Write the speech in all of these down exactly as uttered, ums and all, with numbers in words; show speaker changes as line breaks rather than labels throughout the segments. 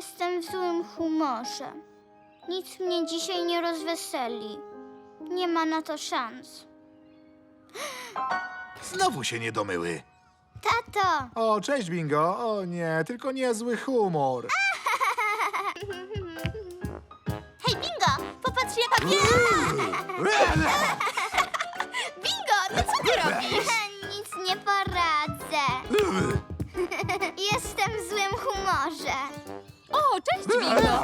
Jestem w złym humorze. Nic mnie dzisiaj nie rozweseli. Nie ma na to szans.
Znowu się nie domyły.
Tato!
O, cześć, Bingo. O nie, tylko niezły humor.
Hej, Bingo! Popatrz, jaka piękna! Bingo, no co ty robisz?
Nic nie poradzę. Jestem w złym humorze.
O, cześć, Bingo!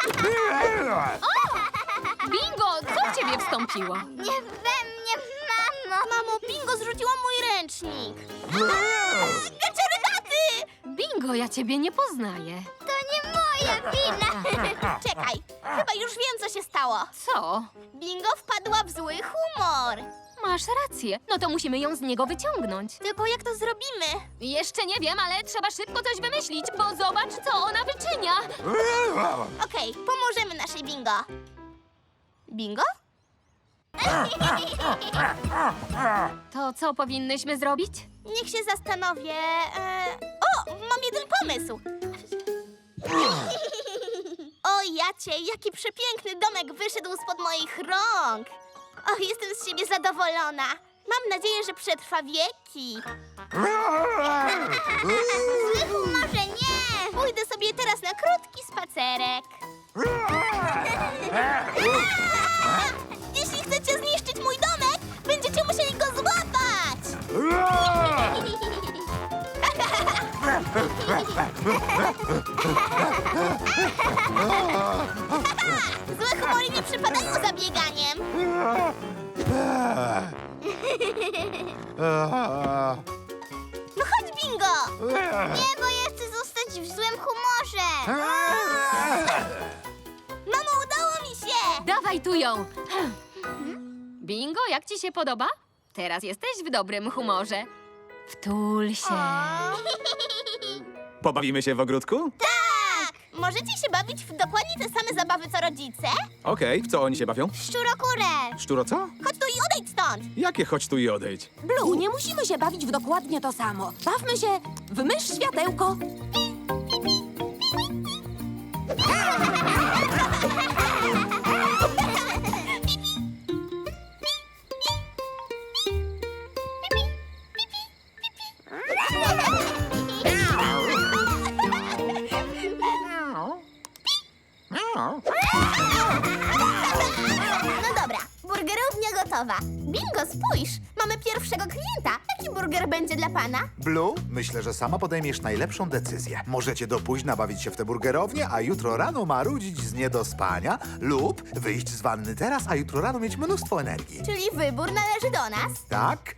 Bingo, co w ciebie wstąpiło?
Nie we mnie, mamo!
Mamo, Bingo zrzuciła mój ręcznik. Gaczerdaty!
Bingo, ja ciebie nie poznaję.
To nie moja wina.
Czekaj, chyba już wiem, co się stało.
Co?
Bingo wpadła w zły humor.
Masz rację. No to musimy ją z niego wyciągnąć.
Tylko jak to zrobimy?
Jeszcze nie wiem, ale trzeba szybko coś wymyślić, bo zobacz, co ona wyczynia.
Okej, pomożemy naszej Bingo. Bingo?
To co powinnyśmy zrobić?
Niech się zastanowię. E... O, mam jeden pomysł. O, Jacie, jaki przepiękny domek wyszedł spod moich rąk. Och, jestem z siebie zadowolona. Mam nadzieję, że przetrwa wieki.
W złym humorze nie!
Pójdę sobie teraz na krótki spacerek. Jeśli chcecie zniszczyć mój domek, będziecie musieli go złapać. Złe humory nie przypadają za bieganiem. No chodź, Bingo!
Nie, bo ja chcę zostać w złym humorze.
Mamo, udało mi się!
Dawaj tu ją. Bingo, jak ci się podoba? Teraz jesteś w dobrym humorze. Wtul się.
Pobawimy się w ogródku?
Tak! Możecie się bawić w dokładnie te same zabawy, co rodzice?
Okej, w co oni się bawią?
Szczurokurę.
Szczuro co?
Chodź tu i odejdź stąd!
Jakie chodź tu i odejdź?
Blue, nie musimy się bawić w dokładnie to samo. Bawmy się w mysz światełko.
No dobra, burgerownia gotowa. Bingo, spójrz! Mamy pierwszego klienta. Jaki burger będzie dla pana?
Blue, myślę, że sama podejmiesz najlepszą decyzję. Możecie do późna bawić się w tę burgerownię, a jutro rano marudzić z niedospania lub wyjść z wanny teraz, a jutro rano mieć mnóstwo energii.
Czyli wybór należy do nas.
Tak?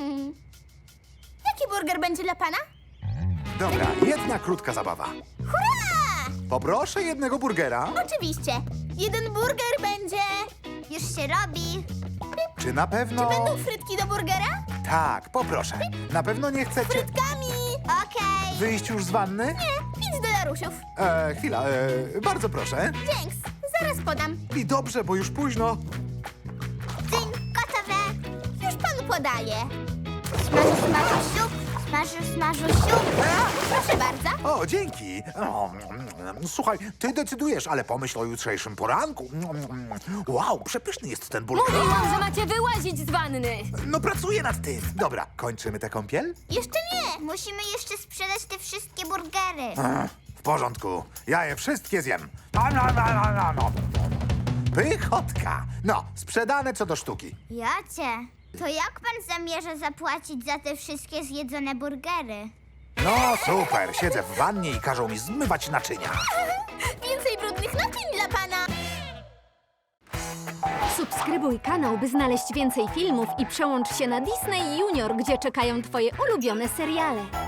Jaki burger będzie dla pana?
Dobra, jedna krótka zabawa.
Hurra!
Poproszę jednego burgera.
Oczywiście. Jeden burger będzie...
Już się robi.
Czy na pewno...
Będą frytki do burgera?
Tak, poproszę. Na pewno nie chcecie
Frytkami!
Okej.
wyjść już z wanny?
Nie, pięć dolarusiów.
E, chwila, e, bardzo proszę.
Dzięks, zaraz podam.
I dobrze, bo już późno.
Dzień gotowe.
Już panu podaję.
Smażu, smażu, siup. Smażu, smażu, siup.
Proszę bardzo.
O, dzięki. O, mm, słuchaj, ty decydujesz, ale pomyśl o jutrzejszym poranku. Mm, Wow, przepyszny jest ten burger.
Mówiłam, że macie wyłazić z wanny.
No pracuję nad tym. Dobra, kończymy tę kąpiel?
Jeszcze nie.
Musimy jeszcze sprzedać te wszystkie burgery.
Ech, W porządku, ja je wszystkie zjem. No, no, no, no, no, no. Pychotka. No, sprzedane co do sztuki.
Jacie, to jak pan zamierza zapłacić za te wszystkie zjedzone burgery?
No super, siedzę w wannie i każą mi zmywać naczynia.
Więcej brudnych naczyń dla pana.
Subskrybuj kanał, by znaleźć więcej filmów i przełącz się na Disney Junior, gdzie czekają twoje ulubione seriale.